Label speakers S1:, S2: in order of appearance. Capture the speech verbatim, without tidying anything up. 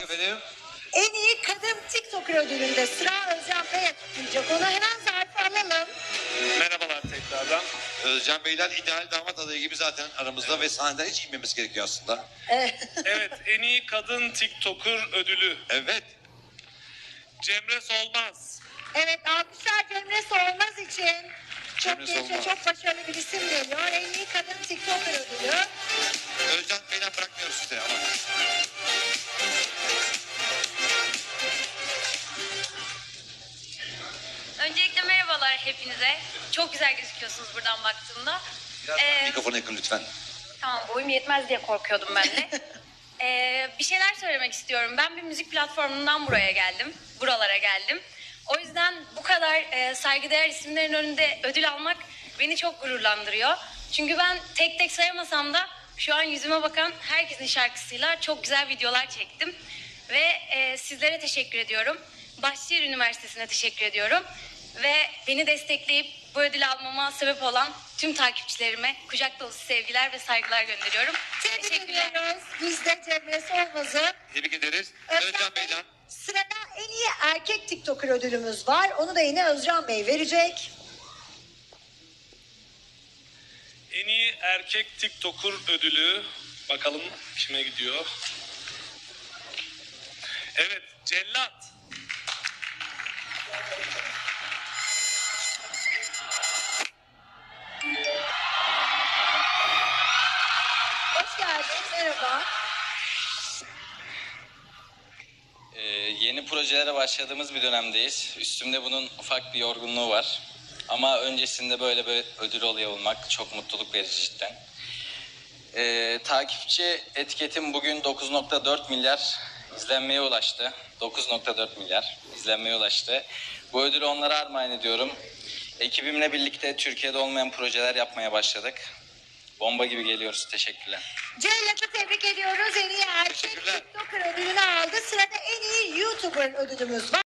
S1: efendim.
S2: En iyi kadın TikToker ödülünde sıra Özcan Bey'e tutulacak. Onu hemen zarfı alalım.
S3: Merhabalar tekrardan.
S1: Özcan Beyler ideal damat adayı gibi zaten aramızda ve sahneden hiç inmemesi gerekiyor aslında.
S2: Evet.
S3: Evet, en iyi kadın TikToker ödülü.
S1: Evet.
S3: Cemre Solmaz.
S2: Evet, alkışlar Cemre Solmaz için. Çok
S1: Cemre
S2: genç ve
S1: Solmaz.
S2: çok başarılı bir isim geliyor. En iyi kadın TikToker ödülü.
S1: Özcan Beyler bırakmıyoruz size ama.
S4: Öncelikle merhabalar hepinize. Çok güzel gözüküyorsunuz buradan baktığımda.
S1: Biraz
S4: Ee,
S1: mikrofona yakın lütfen.
S4: Tamam, boyum yetmez diye korkuyordum ben de. Ee, bir şeyler söylemek istiyorum. Ben bir müzik platformundan buraya geldim. Buralara geldim. O yüzden bu kadar e, saygıdeğer isimlerin önünde ödül almak beni çok gururlandırıyor. Çünkü ben tek tek sayamasam da şu an yüzüme bakan herkesin şarkısıyla çok güzel videolar çektim. Ve e, sizlere teşekkür ediyorum. Bahçeşehir Üniversitesi'ne teşekkür ediyorum. Ve beni destekleyip bu ödülü almama sebep olan tüm takipçilerime kucak dolusu sevgiler ve saygılar gönderiyorum.
S2: Tebrik
S4: Teşekkürler.
S2: ediyoruz. Biz de Cemre Solmaz'ı.
S1: Tebrik ederiz.
S2: Özcan
S1: Özcan
S2: Bey,
S1: Beyler.
S2: sırada en iyi erkek TikToker ödülümüz var. Onu da yine Özcan Bey verecek.
S3: En iyi erkek TikToker ödülü. Bakalım kime gidiyor. Evet, Cellat.
S2: Hoş geldin. Merhaba.
S5: Ee, yeni projelere başladığımız bir dönemdeyiz. Üstümde bunun ufak bir yorgunluğu var. Ama öncesinde böyle bir ödül oluyor olmak çok mutluluk verici cidden. Ee, takipçi etiketim bugün dokuz nokta dört milyar izlenmeye ulaştı. dokuz nokta dört milyar izlenmeye ulaştı. Bu ödülü onlara armağan ediyorum. Ekibimle birlikte Türkiye'de olmayan projeler yapmaya başladık. Bomba gibi geliyoruz. Teşekkürler.
S2: Cellat'ı tebrik ediyoruz. En iyi erkek
S1: Teşekkürler.
S2: TikToker ödülünü aldı. Sırada en iyi YouTuber ödülümüz var.